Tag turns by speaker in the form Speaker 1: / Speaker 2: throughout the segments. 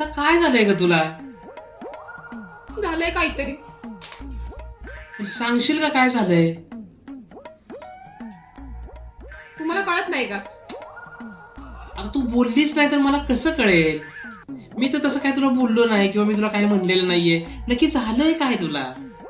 Speaker 1: आता काय झालंय ग तुला?
Speaker 2: झालंय काहीतरी.
Speaker 1: पण सांगशील का काय झालंय?
Speaker 2: तुम्हाला कळत नाही का?
Speaker 1: आता तू बोललीच नाही तर मला कसं कळेल? मी तर तसं काय तुला बोललो नाही किंवा मी तुला काय म्हणलेलं नाहीये. नक्की झालंय काय तुला?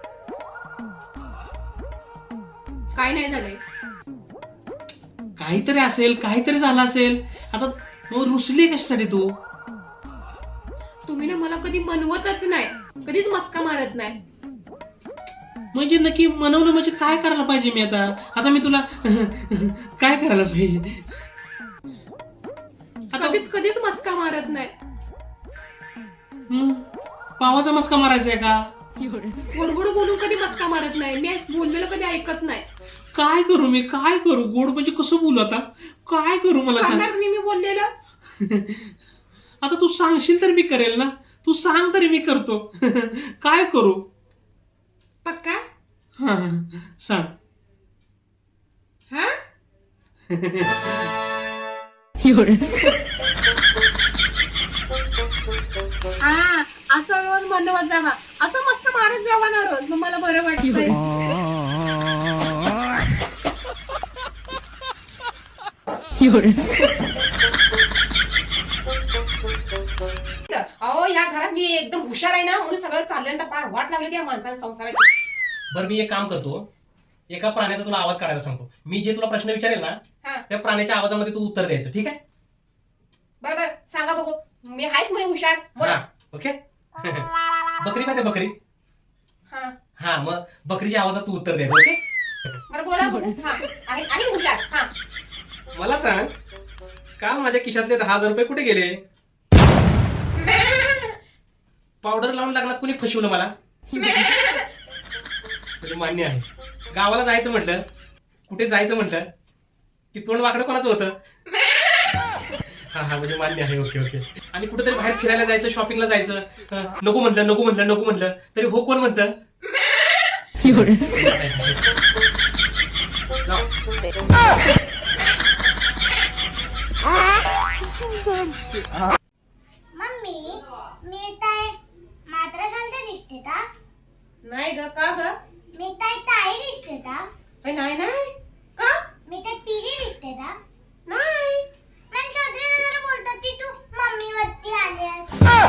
Speaker 2: काय नाही झालंय.
Speaker 1: काहीतरी असेल, काहीतरी झालं असेल. आता मग रुसली कशासाठी तू?
Speaker 2: तुम्ही ना मला कधी मनवतच नाही, कधीच मस्का मारत नाही.
Speaker 1: म्हणजे नक्की मनवणं म्हणजे काय करायला पाहिजे मी आता? आता मी तुला काय करायला पाहिजे? आता
Speaker 2: कधीच मस्का मारत नाही.
Speaker 1: पावाचा मस्का मारायचा आहे का?
Speaker 2: गोडगोड बोलून कधी मस्का मारत नाही. मी बोललेलं कधी ऐकत नाही.
Speaker 1: काय करू मी? काय करू? गोड म्हणजे कसं बोलू आता? काय करू मला सांग?
Speaker 2: करणार मी बोललेलं.
Speaker 1: आता तू सांगशील तर मी करेल ना. तू सांग तरी मी करतो. काय करू?
Speaker 2: पक्का?
Speaker 1: हा सांग.
Speaker 2: हा? असं रोज मनवत जावा, असं मस्त मारत जावा ना रोज, मग मला बरं वाटतंय. अहो या घरात मी एकदम हुशार आहे ना, म्हणून सगळं चालल्यानंतर फार वाट लागली त्या माणसाला संसाराची.
Speaker 1: बरं मी एक काम करतो. एका प्राण्याचा तुला आवाज काढायला सांगतो. मी जे तुला प्रश्न विचारेल ना
Speaker 2: हा
Speaker 1: त्या प्राण्याच्या आवाजामध्ये तू उत्तर द्यायचं. ठीक आहे?
Speaker 2: बरोबर सांगा बघू. मी आहेच म्हणे हुशार. बोला.
Speaker 1: ओके. बकरी माहिती बकरी?
Speaker 2: हा
Speaker 1: हा मग बकरीच्या आवाजात तू उत्तर द्यायचं. ओके.
Speaker 2: बरं बोला बघू. हा आहे हुशार. हा
Speaker 1: मला सांग, काल माझ्या खिशातले 10,000 रुपये कुठे गेले? पावडर लावून लग्नात कोणी फसवलं मला? म्हणजे मान्य आहे. गावाला जायचं म्हटलं, कुठे जायचं म्हटलं की तोंड वाकडं कोणाचं होतं? हा म्हणजे मान्य आहे. Okay okay. आणि कुठेतरी बाहेर फिरायला जायचं, शॉपिंगला जायचं, नको म्हटलं तरी हो कोण म्हणतं? जाऊ.
Speaker 3: मम्मी मी काय मात्र शांत दिसते का?
Speaker 2: नाही ग. का ग?
Speaker 3: मी काय ताई दिसते का?
Speaker 2: नाही नाही. का?
Speaker 3: मी काय पिरी दिसते का?
Speaker 2: नाही.
Speaker 3: पण चौधरी जरा बोलतात की तू मम्मी वरती आलीस.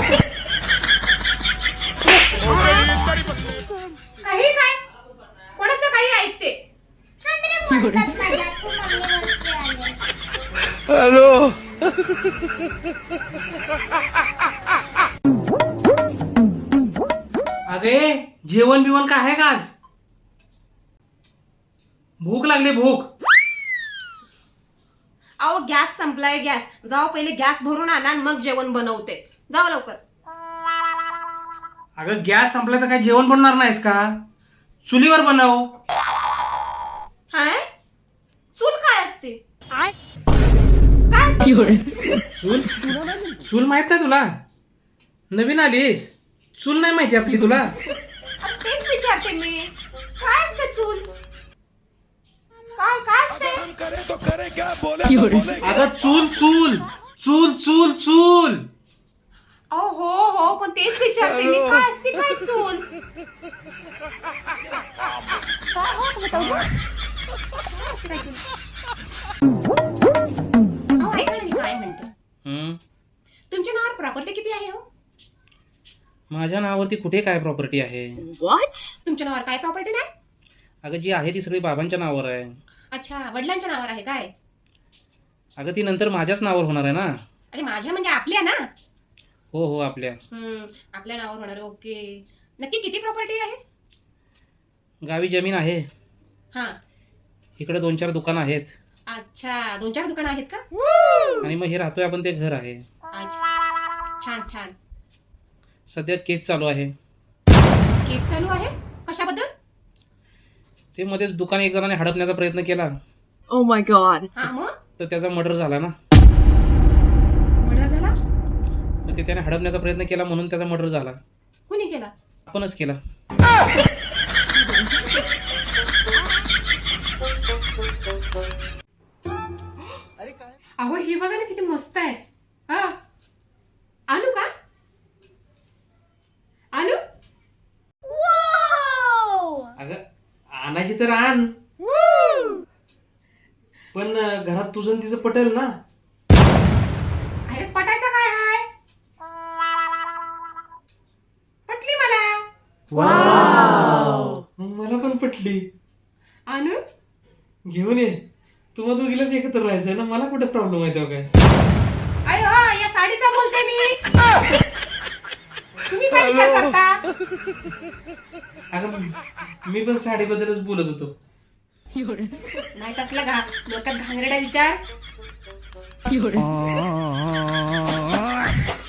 Speaker 2: काही काय? कोणाचं काही ऐकते?
Speaker 3: चौधरी बोलतात मला तू मम्मी वरती आलीस.
Speaker 1: अगे जेवण बिवण काय आहे का आज? भूक लागली भूक.
Speaker 2: अहो गॅस संपलाय. गॅस जाओ पहिले गॅस भरून आणा आणि मग जेवण बनवते. जाओ लवकर.
Speaker 1: अगं गॅस संपला तर काय जेवण बनणार नाहीस का? चुलीवर बनव.
Speaker 2: हाय? चूल काय असते? काय असते चूल?
Speaker 1: चूल चूल माहित नाही तुला? नवीन आलीस? चूल नाही माहिती आपली तुला?
Speaker 2: तेच विचारते मी. काय असते चूल? काय असते?
Speaker 4: करे तो करे क्या बोले तो बोले
Speaker 1: अगं चूल चूल चूल चूल चूल.
Speaker 2: हो पण तेच विचारते मी. काय असते काय चूल? काय असते काय चूल? अहो ऐका ना मी काय म्हणते. तुमच्या नावावर प्रॉपर्टी किती आहे हो?
Speaker 1: माझ्या नावावरती कुठे काय प्रॉपर्टी आहे?
Speaker 2: तुमच्या नावावर काय प्रॉपर्टी नाही?
Speaker 1: अगं जी आहे ती सगळी बाबांच्या नावावर आहे.
Speaker 2: अच्छा वडिलांच्या नावावर आहे काय?
Speaker 1: अगं ती नंतर माझ्याच नावावर होणार आहे ना.
Speaker 2: अरे माझ्या म्हणजे आपल्या ना.
Speaker 1: हो आपल्या.
Speaker 2: आपल्या नावावर होणार. ओके. नक्की किती प्रॉपर्टी आहे?
Speaker 1: गावी जमीन आहे.
Speaker 2: हा
Speaker 1: इकडे 2-4 दुकानं आहेत.
Speaker 2: अच्छा 2-4 दुकानं आहेत का?
Speaker 1: आणि मग हे राहतोय आपण ते घर आहे.
Speaker 2: अच्छा छान.
Speaker 1: सध्या केस चालू आहे.
Speaker 2: केस चालू आहे? कशाबद्दल?
Speaker 1: ते मध्येच दुकान एक जणाने हडपण्याचा प्रयत्न केला.
Speaker 5: Oh my god.
Speaker 2: हा मग
Speaker 1: तर त्याचा मर्डर झाला ना.
Speaker 2: मर्डर झाला?
Speaker 1: तर ते त्याने हडपण्याचा प्रयत्न केला म्हणून त्याचा मर्डर झाला.
Speaker 2: कुणी केला?
Speaker 1: आपणच केला.
Speaker 2: अहो ही बघा ना किती मस्त आहे. हा आणू का?
Speaker 1: पाहिजे तर आण. पण घरात तुझं आणि तिचं पटेल ना.
Speaker 2: अरे पटायचं काय हाय? पटली मला.
Speaker 1: मग मला पण पटली.
Speaker 2: आणू
Speaker 1: घेऊन ये. तुम्हाला दोघीलाच एकत्र राहायचंय ना, मला कुठे प्रॉब्लेम आहे तेव्हा काय.
Speaker 2: अय हो, या साडीचा बोलते मी. तुम्ही काय विचार करता?
Speaker 1: अगं मी पण साडीबद्दलच बोलत होतो.
Speaker 2: नाही कसला डोक्यात घांगरेडा विचार.